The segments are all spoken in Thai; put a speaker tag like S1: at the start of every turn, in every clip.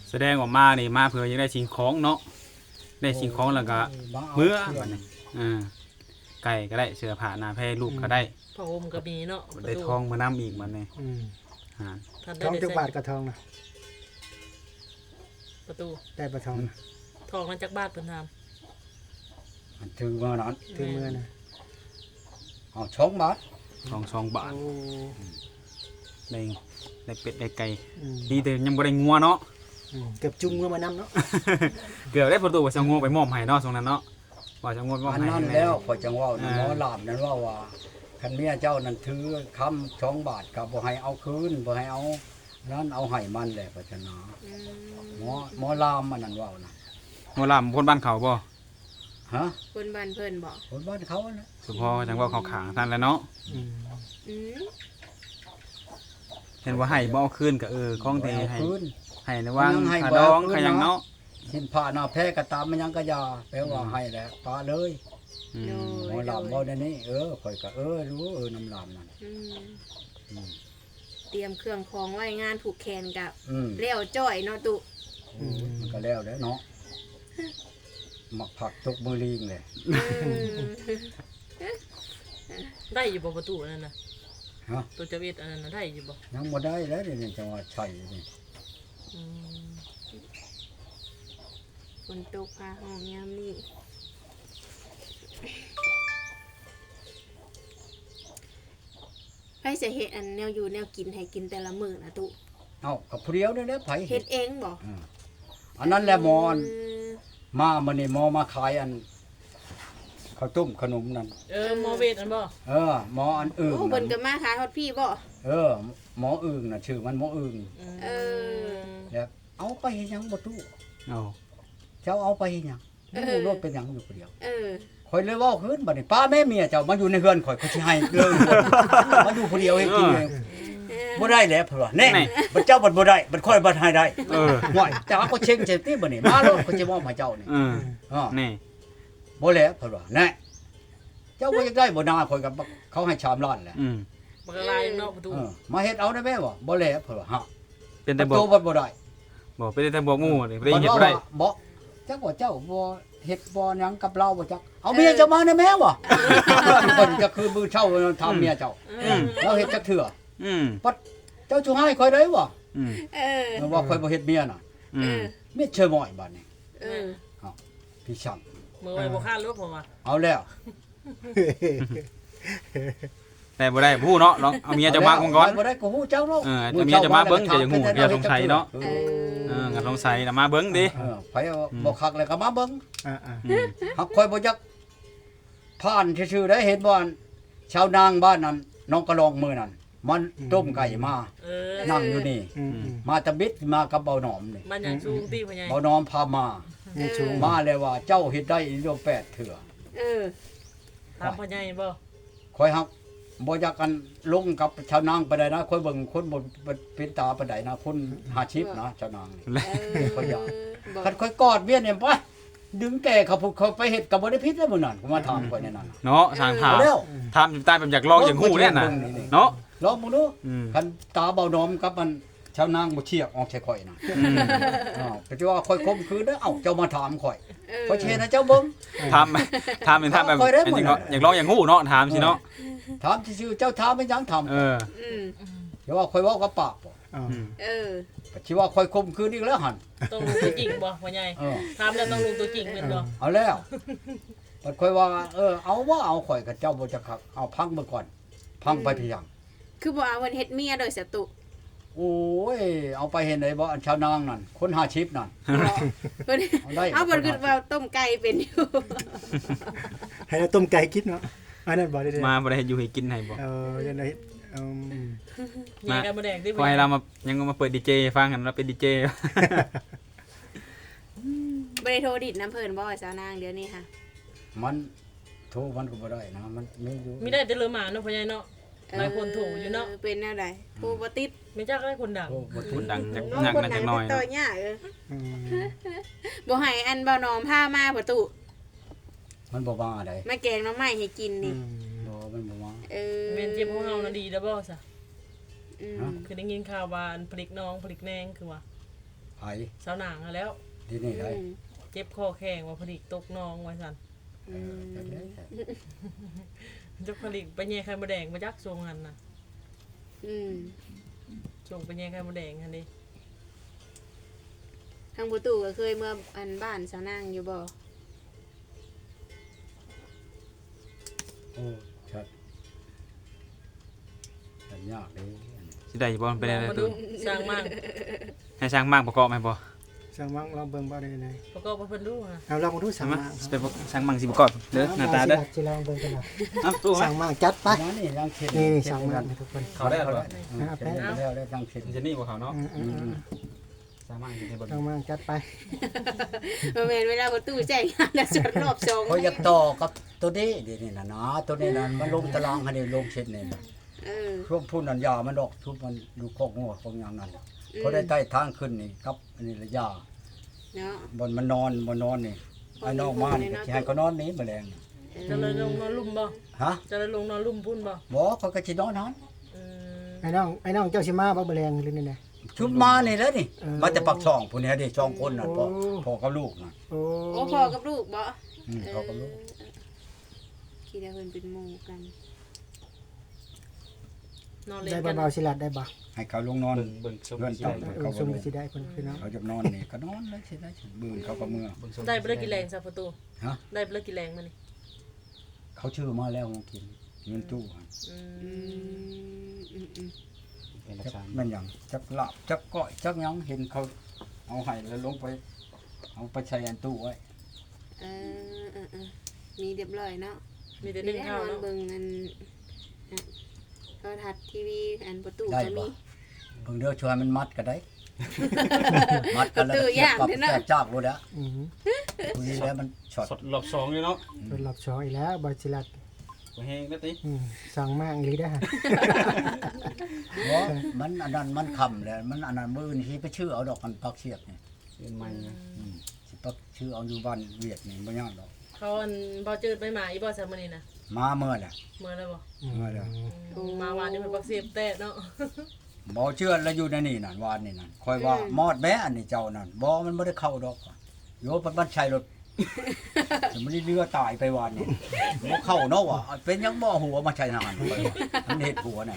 S1: แสดงออกมานี่มาเพื่อยังได้สิ่งของเนาะได้สิ่งของแล้วก็เมื่อบัดนี้ไก่ก็ได้เสื้อผ้าหน้าแพรลูกก็ได้
S2: ผ้าห่มก็มีเนาะ
S1: ได้ทองมานํอีกบัดนี้
S3: ทองจักบาทกับทองนะ
S2: ประตู
S3: ได้ประทองนะ
S2: ทองนั้นจักบาทเพิ่นถาม
S4: ถึงมื้อนั้น
S3: ถึงมือนะ
S4: เอา2 บาท
S1: ทอง2 บาท
S3: โอ้
S1: ได้เป็ดได้ไก่
S3: อืม
S1: ดีแต่ยังบ่ได้งัวเนาะ
S3: เกือบจุงมือมานำเนาะ
S1: เกือบได้ประตูว่าจะงัวไปมอบให้เนาะตรงนั้นเนาะว่าจะงัวมอบ
S4: อัน
S1: ให้
S4: นั้นแล้วข่อยจังเว้าหมอลามนั้นว่าคันเมียเจ้านั้นถือคำ2 บาทก็บ่ให้เอาคืนบ่ให้เอานั้นเอาให้มันแหละปัจจนาหมอลามมันนั่นเว้านะ
S1: งัวลามคนบ้านเขาบ่
S4: ฮะ
S5: คนบ้านเพิ่นบอก
S4: คนบ้านเขาน่ะ
S1: สุพอจังว่าเขาขางท่านแล้วเนาะ
S3: อืม
S5: อืม
S1: เห็นว่าให้บ่เอาคืนก็ของที่
S4: เอา
S1: ให้
S4: คืน
S1: ให้ในว่าง
S4: ยังให้
S1: ขา
S4: บ่
S1: ดอง
S4: เอาคืน
S1: ขายังเนาะ
S4: สินผ้าหน้าแพ้ก็ตามมันยังก็ยาแปลว่าให้แหละปาเลย
S1: อืม
S4: หมอลามเว้าได้นี่ข่อยก็รู้น้ำลามนั่น
S5: อืม
S4: อืม
S5: เตรียมเครื่องของไว้งานผูกแขนกับ
S4: อืม
S5: เลี้ยวจ้อยเนาะตุ
S4: มันก็แล้วเนาะหมักผักทุกมือลิงเลย
S5: อืม
S2: ได้อยู่บ่ประตูนั่นน่ะ
S4: ฮะ
S2: ตัวเจวิตอันนั้นน่ะได้อยู่บ่
S4: ยังบ่ได้แล้วนี่จังหวัดชัยนี่
S2: อืม
S5: ฝนตกพาห้องยามนี้ไผสิเฮ็ดอันแนวอยู่แนวกินให้กินแต่ละมื้อนะตุ
S4: เอ้ากับผู้เดียวนี่แหละไผ
S5: เฮ็ดเองบ่
S4: อันนั้นแหละหมอน
S5: ม
S4: มามื้อนี้หมอมาขายอันข้าวต้มขนมนั่น
S2: หมอเวทอันบ่
S4: หมออันอื่น
S5: โอ้เพิ่นก็
S4: นั่น
S5: มาขายฮอดพี่บ่
S4: หมออื่นน่ะชื่อมันหมออื่น
S5: เออ
S4: แล้วเอาไปเฮ็ดหยังบ่ตู้
S1: เอา
S4: เจ้าเอาไปเฮ็ดหยังบ่รู้รถเป็นหยังอยู่ผู้เดียว
S5: เออ
S4: ข่อยเลยเว้าคืนบัดนี้ป้าแม่เมียเจ้ามาอยู่ในเฮือนข่อยสิให้เลย มาอยู่ผู้เดียวให้กินเองบ่ได้แล้วเพิ่นว่าแน่บัดเจ้าบัดบ่ได้บัดค่อยบัดให้ได้ห่วยจ้าก็เช็งเจ็บติบัดนี้มาโลดข่อยสิมอบให้เจ้านี่
S1: นี่
S4: บ่แล้วเพิ่นว่าแน่เจ้าบ่อยากได้บ่นาข่อยก็เขาให้3ล้านแหละ
S2: มันก็ลายเนาะประตู
S4: มาเฮ็ดเอาได้แม่บ่บ่แล้วเพิ่นว่าฮะ
S1: เป็นแต่บ
S4: โต
S1: อก
S4: บ่บ่ได้
S1: บอกเป็นแต่บอกหมู่นี่บ่ได้เฮ็ดบ่ได้
S4: บ่จักว่าเจ้าบ่เฮ็ดบ่หยังกับเราบ่จักเอาเมียเจ้ามาได้แม่บ่เพิ่นก็คือมือเช่าทำเมียเจ้าเราเฮ็ดจักเทื่อ
S1: อืม
S4: เจ้าชูให้ข่อยได้บ่
S1: อืม
S5: เออ
S4: ว่าข่อยบ่เฮ็ดเมียน่ะ
S1: อืม
S4: เมียเชื่อหม้อยบัดนี้
S5: เออ
S4: พี่ช่าง
S2: มือไว้บ่คาดรถผมว่า
S4: เอาแล้ว
S1: แต่บ่ได้ผู้เนาะลองเอาเมียจะมาก่อน
S4: บ่ได้ก็ฮู้เจ้าเนาะ
S1: เอาเมียจะมาเบิ่งก็อย่างฮู้เดี๋ยวสงสัยเนาะ
S5: เออ
S1: งั้นสงสัยน่ะมาเบิ่งดิ
S4: ไปบ่คักเลยก็มาเบิ่ง
S3: อ่า
S4: หักข่อยบ่จักผ่านซื่อๆได้เห็นบ่ชาวนางบ้านนั้นน้องกระลองมื้อนั้นมันต้มไก่มา นั่งอยู่นี่
S3: อืม
S4: มาตะบิดมากับเบาหนอมนี่
S2: มันอย่างสูงตีพ่อใหญ่
S4: เบาหนอมพามา
S3: มีชูง
S4: มาเลยว่าเจ้าเฮ็ดได้อีโล8เถื่อ
S5: เออ
S2: ถามพ่อใหญ่บ่
S4: ข่อยฮักบ่อยากกันลงกับชาวนางไปได้นะข่อยเบิ่งคนบ่เป็นตาปานใดนะคน50นะชาวนางนี่
S5: เออ
S4: ข่อยอยาก
S5: บอก
S4: คันข่อยกอดเมียเนี่ยไปดึงแก่เขาพูดเขาไปเฮ็ดก็บ่ได้ผิดแล้วมื้อนั้นก็มาถามข่อยในนั้น
S1: เนาะสร้างถาม
S4: เอาแล้ว
S1: ถามอยู่ใต้แบบอยากลองอย่างฮู้เนี่ยน่ะเนาะ
S4: ลองมึงดู
S1: อืม
S4: คันตาเบาหนอมกับมันชาวนางบ่เชียกออกใส่ข่อยนะ
S1: อืม
S4: ก็จะว่าข่อยคมคืนเด้อเอ้าเจ้ามาถามข่อย
S5: เออ
S4: ข่อยเชนะเจ้าเบิ่ง
S1: ถามเป็นถามแบบ
S4: ค่อยได้หมด
S1: จริงๆเนาะอยากลองอย่างฮู้เนาะถามสิเนาะ
S4: ถามซื่อๆเจ้าถามไม่ยังถาม
S1: เออ
S5: อืม
S4: อย่าว่าข่อยเว้ากับปากบ่
S3: อ๋อ
S1: อืม
S5: เออ
S4: ก็สิว่าข่อยคมคืนอีกแล้วหั่น
S2: ต้องรู้ตัวจริงบ่พ่อใหญ่
S4: เออ
S2: ถามแล้วต้องรู้ตัวจริงเป็นบ่
S4: เอาแล้วบัดข่อยว่าเอาว่าเอาข่อยกับเจ้าบ่จะคักเอาพังเบิ่งก่อน พังไปเพียง
S5: คือบ่เอาเพิ่นเฮ็ดเมียโดยสตุ
S4: โอ้ยเอาไปเห็นได้บ่อันชาวนางนั่นคน50นั่น
S5: เพิ่น
S4: เอาได้
S5: เอาเพิ่นคือว่าต้มไก่เป็นอยู่
S3: ให้เราต้มไก่กินเนาะอันนั้นบ่ได้
S1: มาบ่ได้เฮ็ดอยู่ให้กินให้บ่
S3: ยังไง
S2: ใหญ่กันบ่แดงติ
S1: พอให้เรามายังมาเปิดดีเจฟังกันเราเป็นดีเจ
S5: บ่ได้โทรดิดน้ำเพิ่นบ่สาวนางเดี๋ยวนี้ค่ะ
S4: มันโทรมันก็บ่ได้นะมันมีอยู่
S2: มีได้แต่เลือหมาเนาะพ่อใหญ่เนาะหลายคนถูกอยู่เนาะ
S5: เป็นแนวใดโทรบ่ติด
S2: ไม่จักได้คนดัง
S4: โทรบ่
S1: ค
S4: ติ
S1: น
S4: ด
S1: ดังจัก
S5: น้อง
S1: นัก
S5: คน
S1: น่า
S5: ไหน
S1: จักหน่อย
S5: ต่อยากบ่ให้อันบ่นอมพามาประตู
S4: มันบ่มาได้
S5: มาแกงหน้ำไม้ให้กินนี่
S4: บ่มันบ่มา
S5: เออ
S2: เมนเจ็บของเฮาน่ะดีแล้วบ่ซะ
S5: อืม
S4: ฮะ
S2: คือได้ยินข่าวว่าอันผลิกน้องผลิกแนงคือว่า
S4: ไผ
S2: สาวหนางอะแล้ว
S4: ที่นี่ได้
S2: เจ็บคอแข้งว่าผลิกตกน้องไว้ซั่นจักผลิกไปแย่ไข่มดแดงมาจักทรงหันน่ะส่งไปแย่ไข่มดแดงหั่นดิ
S5: ทางประตูก็เคยเมื่ออันบ้านสาวนางอยู่บ่
S4: ชัดชัดยากเลย
S1: สิได้บ่เป็นอะไร
S2: มา
S1: ตั
S2: ดู
S1: ว
S2: สร้างมั่ง
S1: ให้ช่างมากประกอบให้บ่
S3: สั่งมังลองเบิ่งบ่ได้ไหน
S2: ประกอบบ่เพิ่นดูฮะ
S3: เอาลองมาดูสั่ง
S1: มา
S3: มัง
S1: ไปช่างมังสิประกอบเด้อหน้าตาเด้อ
S3: สิลองเบิ่งกันนะ
S1: เอ้าตู้มา
S3: สั่งมังจัดไป
S4: มานี่รังเข็ด
S3: นี่สั่งมังทุกคน
S1: เขาได้หรอ
S4: เข็ดแล้วได้รังเข็ด
S1: มันจะนี่บ่เขาเนาะ
S3: อืม
S1: ช่างมังสิให้บ่
S3: สั่งมังจัดไป
S5: บ่แม่นเวลาประตูแจ้งงานแล้วจดรอบ2
S4: เขาอยากต่อกับตัวนี้เดี๋ยวนี้นะนะตัวนี้นะมันลงตารางให้ได้ลงเช็ดนี่นะ ช่วงพุ่นนันยามันดอกชุบมันดูโคกงัวของอย่างนั้นเพราะได้ใต้ทางขึ้นนี่ครับอันนี้ระยา
S5: เนาะ
S4: บนมันนอนนี่ไอ้นอกมานี่ก็สิให้เขานอนหนี้แมลง
S2: จะเลยลงนอนลุ่มบ่
S4: ฮะ
S2: จะเลยลงนอนลุ่มพุ่นบ่
S4: บ่เขาก็สินอนนั้น
S2: อืม
S3: ไอ้น้องเจ้าสิมาบ่แรงหรือนี่แหละ
S4: ชุบมานี่แหล้วนี่
S3: เออ
S4: มาแต่ปักช่องพุ่นนี่เด้สองคนน่ะ
S3: โอ้
S4: พ่อกับลูกน่ะ
S3: โอ้
S5: โอ้พ่อกับลูกบ่
S4: พ่อกับลูก
S5: คิดว่าเพิ่นเป็นหมู่กัน
S2: นอนเล่น
S3: ได้
S2: กัน
S3: เบาๆสิลัดได้บ่
S4: ให้เขาลงนอน
S1: เบิ่งชม
S4: เพื่อน
S1: สิ
S4: ต้
S1: ได้
S4: อง
S3: เออสมสิได้เพิ่นพี่น้อง
S4: เขาจะนอนนี่ก็นอนเลยสิได้สิบื้นเขาก็เมื่อ
S1: เบิ่งชม
S2: ได้บ่ได้กี่แรงซะประตู
S4: ฮะ
S2: ได้บ่ได้กี่แรงมานี่
S4: เขาชื่อมาแล้วมากินเงินตู้หั่น
S2: อื
S5: อื
S2: ม
S5: ม
S1: เป็นรา
S4: จัก
S1: ชา
S4: แม่นหยังจักลาบจักก้อยจักหยังเห็นเขาเอาให้แล้วลงไปเอาไปใช้อันตู้ไว้
S5: เออมีเรียบร้อยเนาะ
S2: มีแต่
S5: มี
S2: นึ่ง
S5: แน่
S2: ข้าวน
S5: อน
S2: เนาะ
S5: เบิ่งอันโทรทัศน์ทีวีอันประตู
S4: ได้
S5: ก็มี
S4: บ่เพิ่งเด้อช่วยมันมัดก็ได้ มัดกันแล้ว
S5: ตัวอย่าง
S4: ปรับ
S5: เด้อเนาะ
S4: แตกจากรู้แล้ว
S3: อือ
S4: คุยแล้วมันช็อต
S1: สดรอบ2เลยเนาะ
S3: เพิ่นรอบ2อีกแล้วบ่สิลัด
S1: บ่แฮงเด้อติ
S3: สั่งมังอีหลีได้อ
S4: บ่มันอันนั้นมันคำแล้วมันอันนั้นมื้อนี้สิไปชื่อเอาดอกกันปักเสียบนี่
S1: เป็นใหม่นะ
S4: สิปักชื่อเอาอยู่บ้านเวียดนี่บ่ยากดอก
S2: เขาอันบ่จืดไปหมาอีบ่ซะมื้อนี้นะ
S4: มาเมื่อแหละ
S2: เมื่อแล้วบ่
S4: เมื่อแล้ว
S2: มาวานนี่มันบักเสียบแตะเนาะ
S4: บ่เชื่อแล้วอยู่ในนี่นั่นวานนี่นั่นคอยว่ามอดแม้อันนี้เจ้านั่นบ่มันบ่ได้เข้าดอกโยมันใช้รถมันเรือตายไปวานนี่บ่เข้าเนาะว่ะเป็นยังบ่หัวมาใช้ทหารไปว่ะมันเฮ็ดหัวไหน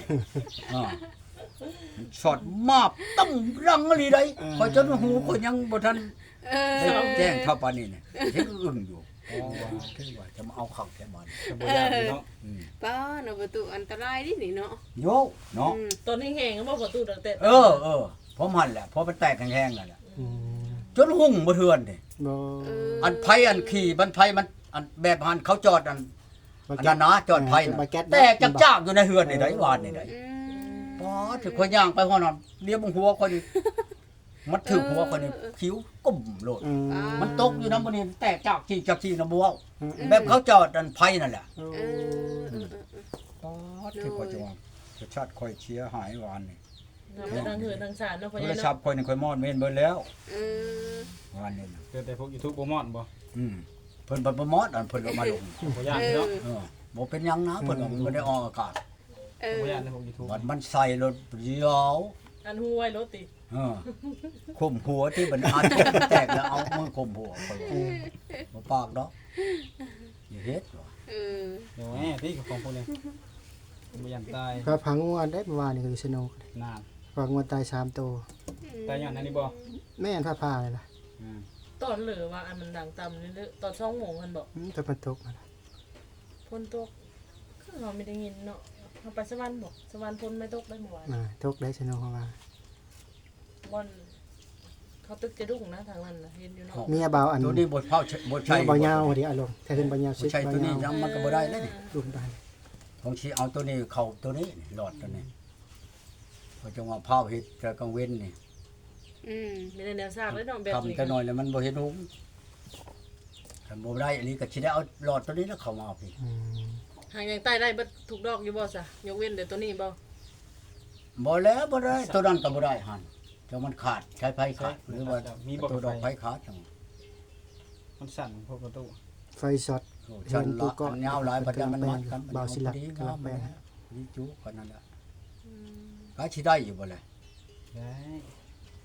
S4: ช็อตมาบตั้งรังอะไรได้คอยจนหูคนยังบ่ทัน
S5: เออ
S4: ได้แจ้งเท่าปานนี้เนี่ยเฮ็ดอึ้งอยู่อ๋อว่าคือว่าจะมาเอาเข้าแค่มัน
S1: ก็บ่ยากเนาะ
S5: ป้าเนาะประตูอันตรายดินี่เนาะ
S4: โยเนาะ
S2: ตอนนี้แห้งก็บ่ประตูดังแต่
S4: ผมหันแหละพอมันแตกแห้งๆนั่นแหละ
S3: อืม
S4: จนหุ่งบ่เทือนนี่
S3: บ่
S4: อันไผอันขี่มันไผมันอันแบบหันเขาจอดอันนั้นนะจอดไผน่ะแตกจักๆอยู่ในเฮือนนี่ได้วานนี่ได้
S5: อืม
S4: ป๋อถึงคนย่างไปฮ้อนนเลี้ยวบงหัวคนนี่มันถือหัวคนนี่คิ้วกุ่มโลด
S3: อืม
S4: มันตกอยู่นำบ่นี่แตกจากที่นะบ่เว้าแบบเขาจอดอันไผนั่นแหละ
S3: โอ้
S5: เออ
S4: ป๋อคือก็จะว่าประชาติค่อยเชียร์หายวานนี่
S2: ทางเหือทางสารเนาะพ่อ
S4: โท
S2: ใหญ่
S4: รศัพ
S2: เนาะ
S4: ท์ค่อยนี่ค่อยมอดเมนเบิดแล้ว
S5: เออ
S4: วานนี่น่ะ
S1: เกิดแต่พวก YouTube บ่มอดบ่
S4: เพิ่นบ่มอดอันเพิ่นเอามาลง
S1: บ่ยากเนาะ
S4: บ่เป็นหยังนะเพิ่นว่ามันบ่ได้ออกอากาศ
S5: เออ
S1: บ่ยากในพวก YouTube
S4: มันมันใส่รถเดียว
S2: อันหูไว้รถติ
S4: ข่มหัวที่มันอาจจะแตกแล้วเอามือข่มหัวค่อยว่าบ่ปากดอกอย่าเฮ็ดว่ะ
S5: เออ
S1: เดี๋ยวแหมที่ของพวกนี้บ่ยันตาย
S3: ก็พังงวดได้เมื่อวานนี่ก็อยู่สนุก
S1: นาน
S3: พังงวดตาย3ตัว
S1: ตายย้อนอันนี้บ่
S3: แม่นผ้าเลยล่ะ
S2: ตอนเหลือว่าอันมันดังต่ำนี่เด้อตอน2โมงมันบอก
S3: แต่มันตกนั่นล่ะ
S2: ฝนตกคือเราไม่ได้ยินเนาะเราไปสวรรค์บอกสวรรค์ฝนไม่ตกได้เมื่อวาน
S3: ตกได้สนุกเพราะว่า
S2: บอนเขาตึกจะดุ้งนะทางนั้นน่ะเห็นอยู่เนาะ
S3: เมียเบาอัน
S4: ตัวนี้บ่เผาบ่
S3: เมี
S4: ใช่
S3: ยเบายาวพอดีอารมณ์ถ้าขึ้นเบายาว
S4: บ่ใช่ตัวนี้ยังมันก็บ่ได้เลยนี่
S3: ลุมไป
S4: ผมสิเอาตัวนี้เข้าตัวนี้หลอดตัวนี้เพราะจังว่าเผาเฮ็ดแต่กลางเว้นนี่
S5: อืม
S2: มีแต่แนวซากเลยเนาะแบบนี้
S4: ทำแต่น้อยแล้วมันบ่เห็นหุงถ้าบ่ได้อันนี้ก็สิได้เอาหลอดตัวนี้แล้วเข้ามาเอาพี่
S3: อืม
S2: หางยังใต้ได้เบิดถูกดอกอยู่บ่ซะยกเว้นแต่ตัวนี้บ่
S4: บ่แล้วบ่ได้ตัวนั้นก็บ่ได้หั่นจังมันขาดใช้ไฟขาดหรือว่า
S1: มีบ่
S4: ตัวด
S1: ด
S4: อ
S1: อก ก
S4: ไฟ
S1: ไฟ
S4: ขาดจัง
S1: มันสั่นพวกประตู
S3: ไฟช็อต
S4: โอ้ฉันละอันยาวหลายปัจจัยมันมัดกัน
S3: เบาสิหลัก
S4: ดี
S3: กำลั
S4: งาง ม
S3: แปลง
S4: ดีจุกันนั่นแหละก็สิได้อยู่บ่ล่ะ
S1: ได้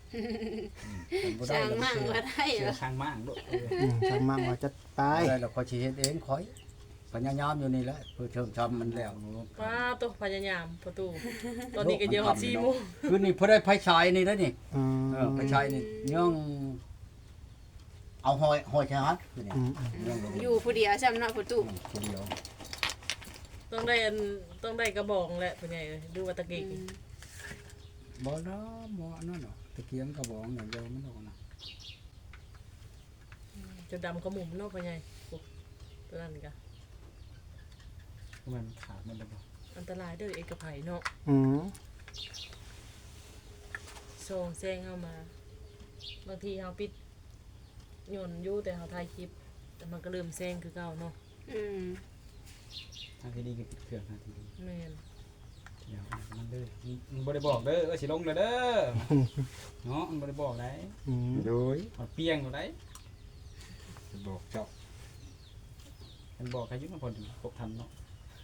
S4: บ่
S5: ส
S4: ได้
S5: ร้าง
S4: แล้ว
S5: มั่ง
S4: เชื่อ
S5: ว่าได้
S1: เชื่
S5: เหร
S1: อ
S5: อ
S1: ข้างมั่งลูก
S3: ช่างมั่งว่าจะไป
S4: บ่ได้แล้วข่อยสิเฮ็ดเองข่อยพยายามอยู่นี่แหละเพื่อเชิงทำมันแล้ว
S2: ว้าตัวพยายามประตู ตอนนี้ก็เยอะ4 โมง
S4: คือนี่พอได้ไฟฉายนี่แล้วนี่
S3: อืม
S4: ไฟฉายนี่ย่องเอาหอยชาร์จคือนี่
S3: อืม
S4: ย่องลง
S5: อยู่ผู้เดียวซ้ำเนาะประตู
S4: คนเดียว
S2: ต้องได้กระบองแหละเป็นไงเอ้ยดูว่าตะกี้
S4: บ่ละบ่อันนั้นเนาะตะเกียงกระบอกอย่างเดียวมันออกนะ
S2: จะดำกระหมุมเนาะเป็นไงโอ้ตัวนั้นก็
S1: มันขาดมันเลยบ่
S2: อันตรายเด้อเอกไผเนาะ
S3: อืม
S2: ส่งแซงเข้ามา บางทีเฮาปิดยนต์อยู่แต่เฮาถ่ายคลิป แต่มันก็เริ่มแซงคือเก่าเนาะ
S5: อืม
S1: ทางที่ดีก็ปิดเครื่องทางที่ดี
S2: แม่น
S1: เดี๋ยวมันเด้อมันบ่ได้บอกเด้อสิลงเลยเด้อเนาะมันบ่ได้บอกได้
S3: อืม
S4: โดย
S1: มันเปียงอยู่ได้
S4: จะบอกเจ้า
S1: มันบอกใครอยุ่งมันพอดีครบทันเนาะ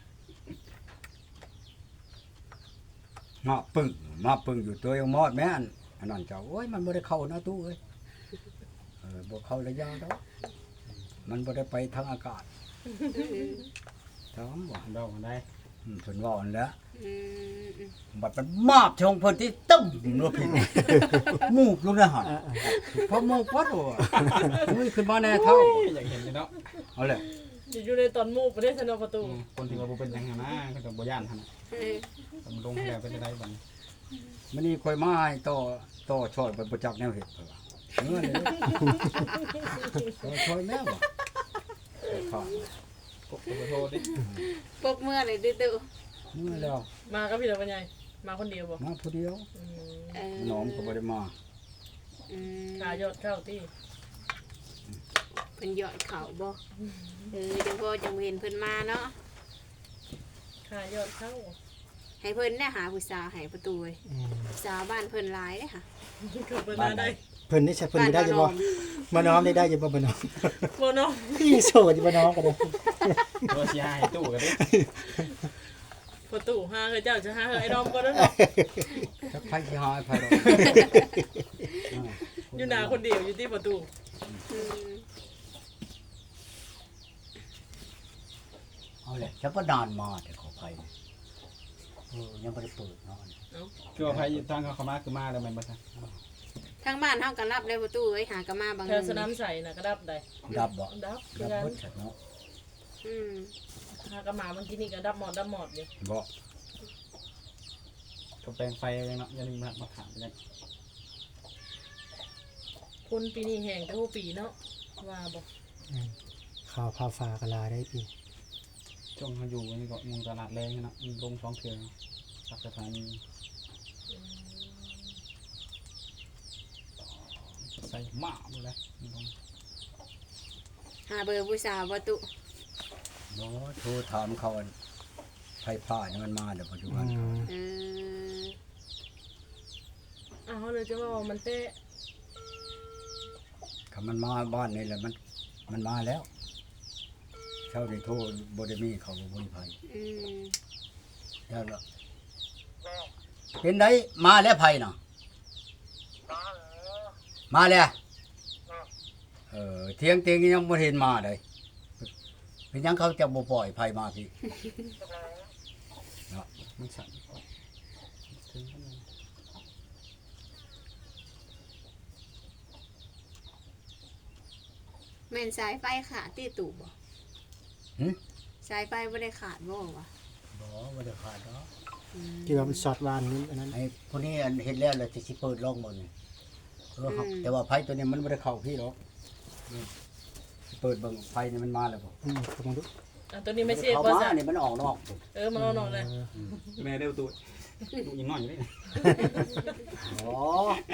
S4: มาปึ้งอยู่ตัวยังมอดแม่อันนั้นเจ้าโอ้ยมันบ่ได้เข้านะตู้เอ้ยบ่เข้าระยะดอกมันบ่ได้ไปทางอากาศถามว่า
S1: มันเดากันได้
S4: เพิ่นว่าอันแล้ว
S5: อืม
S4: บัดมันมาบชงเพิ่นที่ตึ้มโนผิดมูกลงในหันพอมูกวัดโอ้ยขึ้นมาแน่เท่า
S1: อยากเห็นเลยเนาะ
S4: เอาแหละ
S2: อยู่ในตอนมูกบ่ได้สนอประตู
S1: คนที่ว่าบ่เป็นหยังหั้นนะเขาจะบ่ย่านหั่นน่ะ
S5: เออ
S1: แต่มันลงให้แล้วเป็นได้บัดนี้
S4: มันนี่ค่อยมาให้ต่อช่อยบ่จักแนวเฮ็ดเพิ่นว่าเมื่อเลยต่อช่อยแม่บ่ค่ะ
S1: กบขอโทษดิ
S5: ปกเมื่อเลยดื้อ
S4: เมื่อแล้ว
S2: มากับพี่ตาเป็นไงมาคนเดียวบ่
S4: มาผู้เดียว
S2: อืม
S5: ๆเออ
S4: น้องก็บ่ได้มา
S5: อืม
S2: ขายอดเข้าที่
S5: เพิ่นยอดเขาบ่เดี๋ยวพ่อจังเห็นเพิ่นมาเนาะ
S2: ขายอดเข้า
S5: ให้เพิ่นได้หาผู้สาวให้ประตูเว้ย
S3: อืม
S5: สาวบ้านเพิ่นหลายเด้อค่ะ
S2: ก็เปิดมาได้
S3: เพิ่นนี่ใช่เพิ่นได้อยู่บ่มาน้อมได้อยู่บ่บ่น้อม
S2: บ่เนาะ
S3: พี่โสดอยู่บ่น้อมก็ได้
S1: ตัวสิหาให้ตู้กันดิ
S2: ประตูหาเฮ้ยเจ้าจะหาเฮ้ยไอ้ดอมก็ได้เนาะ
S4: จักไผสิหาไผดอก
S2: อยู่หน้าคนเดียวอยู่ที่ประตู
S5: อืม
S4: เอาแหละจะบ่นานมาแต่ขอไผยังบ่ได้เปิดเนาะ
S1: คือว่าไผทางเขาเข้ามาคือมาแล้วแม่นบ่ซะ
S5: ทางบ้านเฮาก็รับได้ประตูเอ้ยหากะมาบาง
S2: แถวสนามใส่น่ะก็ดับได้
S4: ดับบ่
S2: ดับคือ
S4: ดับ
S2: กัน
S4: เบิดฉันเนาะ
S5: อืม
S2: หากระหมาเมื่อกี้นี่ก็ดับหมดอยู่
S4: บ่
S1: ก็แปลงไฟยังเนาะอย่าลืมมาถามกัน
S2: คนปีนี้แห้งแต่หัวปีเนาะว่าบ่
S3: ข่าวพาฟ้ากะลาได้พี่
S1: ช่วงเขาอยู่นี่ก็มุงตลาดแรงเนาะมีลง2เทื่อสักสถานีใส่หม้าหมดเลยลง
S5: หาเบอร์ผู้สาวบ่ตุ
S4: บ่โทรถามเขาอันไผผ้านี่มันมาเดี๋ยวปัจจุบัน
S3: อืม
S5: เออ
S2: อ้าวเลยจะว่ามันเตะ
S4: ถ้ามันมาบ้านนี่แหละมันมาแล้วเช้าได้โทรบ่ได้มีเขาบ่มีไผ
S5: อืม
S4: แล้วล่ะเป็นไดมาแล้วไผน่ะมาแล้วเที่ยงยังบ่เห็นมาเลยเป็นหยังเขาจะบ่ปล่อยไผมาพี่
S1: มันสั่นถึงขนาด
S5: แม่นสายไฟขาดที่ตู่บ่
S4: หึ
S5: สายไฟบ่ได้ขาดบ่วะ
S4: บ่ได้ขาดเนาะ
S5: อืม
S3: ที่ว่ามันช็อตวานนี้อันนั้น
S4: ไอ้พวกนี้อันเห็นแล้วเลยจะสิเปิดลองหมดนี่ครับแต่ว่าไฟตัวนี้มันไม่ได้เข้าพี่หรอกเปิดเบิ่งไฟนี่มันมาแล้วบ่
S3: อืมลองดู
S2: อ่ะตัวนี้ไม่เสีย
S4: เข้า
S2: บ่
S4: มา
S2: ซะ
S4: นี่มันออกนอก
S2: มันเอาหนอกเลย
S1: แม่เร็วตัวลูกยังน้อยอยู่เลย
S4: อ๋อ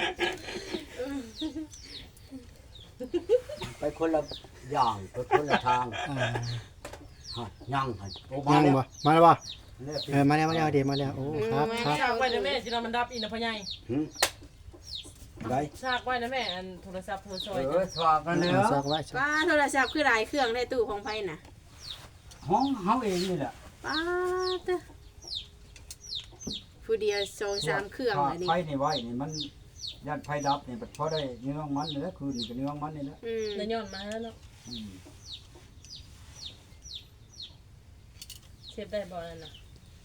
S4: ไปคนละอย่างไปคนละทาง
S3: อ่า
S4: ฮะยังฮะโอ้
S3: ยัง
S4: แล้ว
S3: บ่มาแล้วบ่
S4: แล้ว
S3: มาแล้วเดี๋ยวมาแล้วโอ้ครับครับ
S2: ฉากไว้นะแม่จินมันดับอีนะพ่อใหญ่
S4: หึได้
S2: ฉากไว้นะแม่อันโทรศัพท์โทรซอย
S4: สว่างกันแล้ว
S3: ซักไว้ซัก
S5: ป้าโทรศัพท์คือหลายเครื่องในตู้ของไผน่ะ
S4: ห้องเฮาเองนี่แหละ
S5: ป้าเด้อผู้เดียว2-3เครื่องเลยนี่
S4: ไฟนี่ไว้นี่มันยันไฟดับนี่พอได้เนื้อมันนี่แหละคืนนี่ก็เนื้อมันนี่แหละ
S2: แล้วย้อนมาแล้วเนาะ
S4: อืม
S2: เชฟได้บ่นั่นน่ะ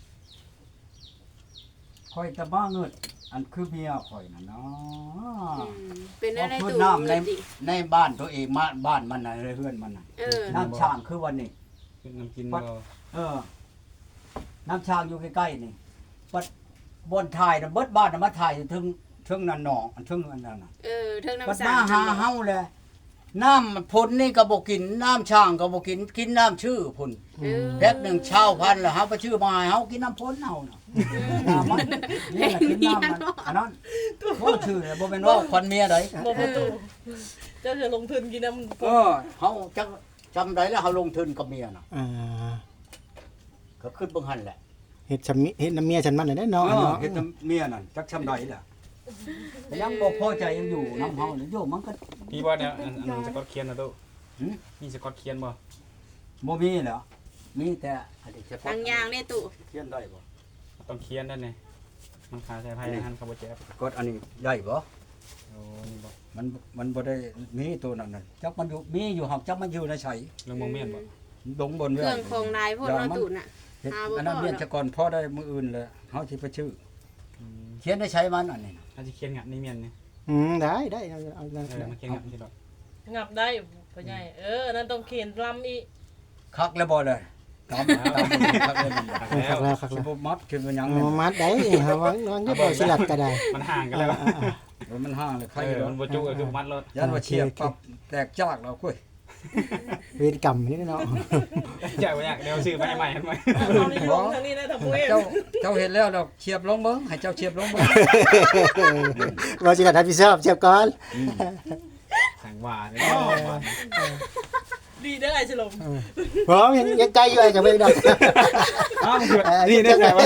S4: ข่อยตะบ้าเงิดอันคือเมียข่อยน่ะเนาะ
S5: เป็นอะไร
S4: พื้น
S5: ตู้
S4: น้ำใน
S5: ดิ
S4: ในบ้านตัวเองบ้านมันน่ะในเฮือนมันน่ะ
S5: เออ
S4: น้ำช่างคือวันนี้
S1: เป็นน้ำกินบ่
S4: น้ำช่างอยู่ใกล้ๆนี่ปัดบนถ่ายน่ะเบิดบ้านน่ะมาถ่ายอยู่ถึงนั่นหนองอันถึงอันนั้นน่ะ
S5: เออเทิง
S4: ปัด
S5: น้ำสา
S4: มาหาเฮาแหละน้ำพ้นนี่ก็บ่กินน้ำช่างก็บ่กินน้ำชื่อพุ่น แพ็คหนึ่งเช่าพันแล้วเฮาไปชื่อมาให้เฮากินน้ำพ้นเฮาน่ะน้ำมันนี่แหละกินน้ำมันอันนั้นบ่ชื่อเลยบ่แม่นว่าควันเมียได
S2: บ่ประตูเจ้าจะลงทุนกินน้ำ
S4: เฮาจักจำได้แล้วเฮาลงทุนกับเมียน่ะ
S3: อ่า
S4: ก็ขึ้นเบิ่งหั่นแหละ
S3: เฮ็ดชำมิเฮ็ดน้ำเมียฉันมันได้เนาะ
S4: เฮ็ดเมียนั่นจักชำใดแหละแต่ยังบ่พอใจยังอยู่น้ำเฮาเลยโยมมันก็
S1: พี่บ่เนี่ยอันสกอตเคียนนะตู้
S4: หึ
S1: มีสกอตเคียนบ่
S4: บ่มีแล้วมีแต่อันนี้เฉพาะ
S5: ทางยางเนี่ยตู้
S4: เขียนได้บ่
S1: ต้องเคียนนั่นนี่มันขาใส่ไผ่หันเขาบ่เจ็บ
S4: กดอันนี้ได้บ่
S1: โอ้นี่บ่
S4: มันบ่ได้มีตัวนั้นน่ะจักมันอยู่มีอยู่หักจักมันอยู่ในไส
S1: เรื่องมองเมียนบ่
S4: ลงบน
S5: เค
S4: เว้
S5: รื่องของลายพวกเราตู้น่ะ
S4: เฮ็ด
S5: หาบ่
S4: อันนั้น
S5: พอ
S4: เรียน
S5: เนาะ
S4: จะก่อนพอได้มื้ออื่นเลยเฮาสิไปชื่อ
S1: อืม
S4: เขียนได้ใช้มันอันนี้น่ะ
S1: ถ้าสิเคียนงัดนี่เมียนนี่
S3: ได้เอา
S1: มาเคียนงัดสิดอก
S2: งับได้พ่อใหญ่นั่นต้องเขียนลำอีก
S4: คักแล้วบ่เลยตามคักเลยมัน
S1: แล้ว
S3: คัก
S4: สิ
S3: แล้ว
S4: บ่มัดขึ้นมาหยัง
S3: เอามัดได้หาวางอยู่บ่สิลัดก็ได้
S1: มันห่างกันแล้ว
S4: มันห่างเลยใคร
S1: มันบ่จุก็คือมัดรถ
S4: ยันว่าเฉียบปั๊บแตกจากแล้วกุ้ย
S3: เวรกรรมนี่เนาะ
S1: อยากบ่อยากเดี๋ยวซื้อมาให้ใหม่ให้ใหม่
S2: เอานี่ลงทางนี้นะถ้าปุ้ย
S4: เจ้าเห็นแล้วดอกเฉียบลงเบิ่งให้เจ้าเฉียบลงเบิ่ง
S3: บ่สิลัดรับผิดชอบเจ็บก่อน
S1: สั่งว่าเลย
S2: ดีได้ไอ้ฉลม
S3: พร้อมยังไกลอยู่ไอ้กับเบิ่งดอก
S1: อ้าวนี่ได้ไงวะ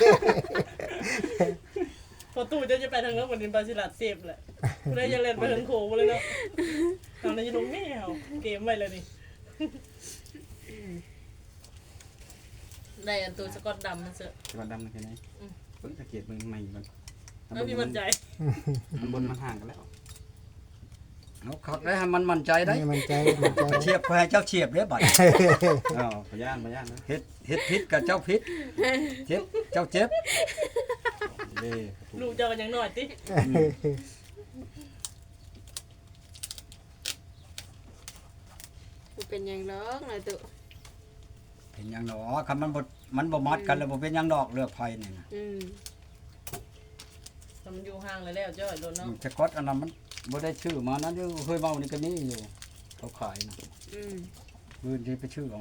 S2: พอตู้จะไปทางนั้นวันนี้บาซิลัดเซฟแหละคุณได้จะเล่นไปทางโขงเลยเนาะทางนั้นจะลงแมวเกมไปเลยนี่ได้อันตัวสกอตดำมันเสอะ
S1: ก่อนดำแค่ไหนเพิ่งสังเกตมึงใหม่ก่อน
S2: แล้วพี่มั่นใจ
S1: มันบนมันห่างกันแล้ว
S4: เอาคักได้ให้มันมั่นใจได้
S3: มันใจ
S4: เฉียบให้เจ้าเฉียบเด้บัด
S1: อ้าวพยานนะ
S4: เฮ็ดผิดกับเจ้าผิดเจ็บเจ้าเจ็บ
S1: เด้
S2: ลูกเจ้ากันยังหน่อยติ
S5: เป็นหยังดอกนะตู้
S4: เป็นหยังดอกคันมันบ่มัดกันแล้วบ่เป็นหยังดอกเลือกไผนี่นะ
S2: แต่มันอยู่ห่างเลยแล้วเจ้าโดนเนาะ
S4: แต่กดอันนั้นมันบ่ได้ชื่อมานั้นอยู่เคยเมานี่ก็มีอยู่เขาขายนะมื้อนี้ไปชื่อเอา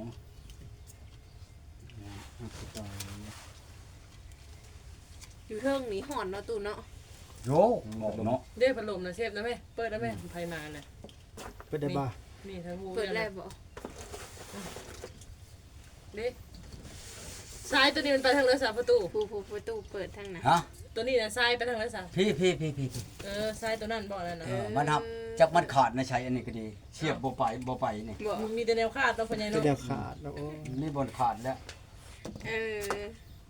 S5: อยู่เทิงนี่ห่อนเนาะตู้เนาะ
S4: โยบอกเนาะ
S2: เด้พัดลมนะเชฟนะแม่เปิดนะแม่ไผมาน่ะ
S3: เปิดได้บ่
S2: นี่ทั้งหู
S5: เปิดแล้วบ่
S2: เด้ซ้ายตัวนี้มันไปทางเรือสามประตู
S5: ผู้ประตูเปิดทางไหน
S4: ฮะ
S2: ตัวนี้น่ะซ้ายไปทางเรือสาม
S4: พี่
S2: ซ้ายตัวนั้นบ่นั่นน่ะ
S4: มันหับจักมันขาดนะใช้อันนี้ก็ดีเสียบบ่ไปนี่
S5: บ่
S2: มีแต่แนวคาดต้องพญาย
S3: จะ
S2: เนาะ
S3: เดียวขาดแล้ว
S4: มีบนขาดแล้ว
S5: เออ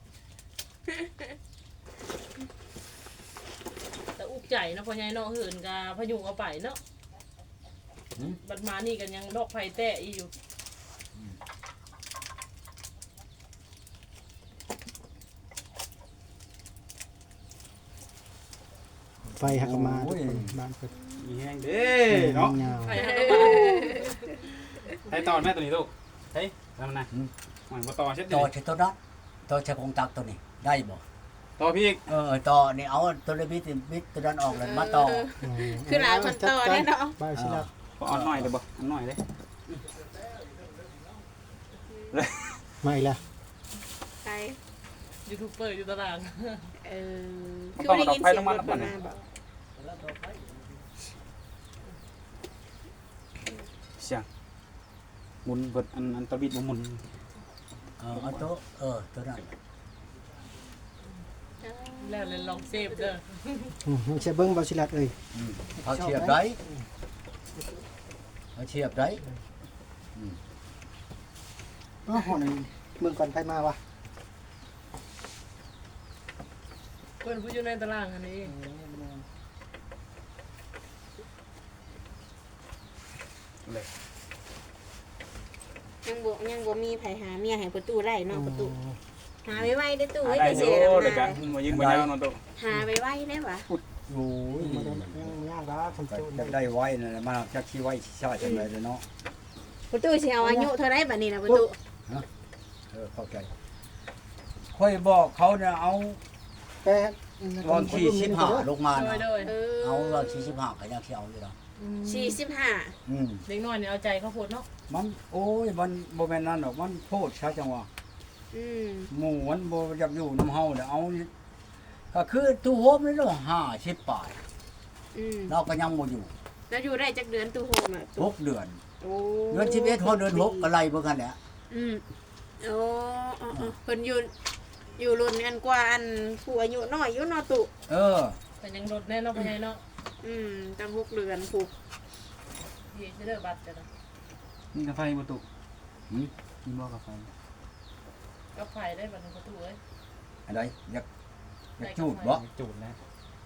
S2: แต่อุกใจเนาะพญายเนาะเหินกาพยุงเอาไปเนาะบัดมานี่กันยังดอกไผ่แตะอีอยู่
S3: ไฟหักมาบ้านเปิด
S1: มีแห้งเด้เนาะ
S2: ไผ่หักมา
S1: ให้ตอนแม่ตัวนี้ลูกเฮ้ยทำมันนะหมันมาต่อเช็ดดิ
S4: ต่อใช้ตัวนั้นต่อใช้กงตักตัวนี้ได้บ่
S1: ต่อพี่อีก
S4: ต่อนี่เอาตัวเลบิดตัวนั้นออกแล้วมาต่อ
S5: คือหลายคนต่อได้เนาะ
S3: บ้านสิลัด
S1: ก็อ่อนหน่อยเดี๋ยวบ่อ่อนหน่อยเลย
S3: มาอีกแล้ว
S5: ใคร
S2: ยูทูบเบอร์อยู่ตาราง
S5: คือได้ยินเสียงรถมาบ่
S1: เสียงหมุนเบิดอันตะบิดบ่หมุน
S4: เอาตัวตัวนั้น
S2: แล้วเลยลองเซฟเด้อ
S3: มันจะเบิ่งบ้านสิลัดเอ้ย
S4: เอาเฉียบได้เอาเฉียบได้
S3: อ๋อหอนเมืองก่อนไปมาวะ
S2: เพิ่นผู้อยู่ในตารางอันนี้
S1: เลย
S5: ยังบ่มีไผหาเมียให้ประตูได้เนาะประตูหาไว้ๆได้ตู้
S1: หา
S5: ไว้
S1: ได้
S5: จะ
S1: อ
S5: เสี
S1: ยู่
S5: ยแล้ว
S1: แต่กั
S5: มาน
S1: บ่ยิงบ่ยาวเนาะตุ
S5: หาไว้ๆได้บ่
S4: โอ้ย
S3: มาได้ยังยากแล้วคนจูน
S4: จะได้ไว้นั่นแหละมาจักสิไว้สิชาจังได๋เนาะ
S5: ประตูสิเอาอายุเท่าไหร่บัดนี้นะประตู
S4: เข้าใจค่อยบอกเขาเนี่ยเอา
S3: แต่
S4: ตอนที่15ลงมา
S2: โดย
S4: นะ
S2: โดย
S4: เอาตอนที่15ก็ยังสิเอาอยู่ดอก
S5: 45
S2: เด็กน้อยเนี่ยเอาใจเขาโพดเนาะ
S4: มันโอ้ยมันบ่แม่นนั่นดอกมันโพดซะจังว่า
S5: อืม
S4: หมู่มันบ่อยากอยู่นํเฮาเด้อเอานี่ก็คือตู้โฮมนี่เนาะ50ปลาย
S5: อืม
S4: เราก็ยังบ่อยู่
S5: แล้วอยู่ได้จักเดือนตู้โฮมอ่ะตู้
S4: 6เดือน
S5: โอ้
S4: เดือน11พอเดือน6ก็ไล่เบิ่งกันแหละ
S5: อืมโอ้เพิ่นอยู่รุ่นกันกว่าอันผู้อายุน้อยอยู่เนาะตุ
S4: เออ
S2: แต่ยังรถแน่เนาะพ่อใหญ่เนาะ
S5: ตั้ง6เดือนผู้
S2: ที่สิเด้อบัตรจ้ะเนาะ
S1: นี่กาแฟบ่ตุ
S4: หืม
S1: นี่บ่กาแฟ
S2: กับไผได้บัดนี้ประตูเอ้ย
S4: อะไรอยากจูดบ่
S3: จูดนะ
S2: อ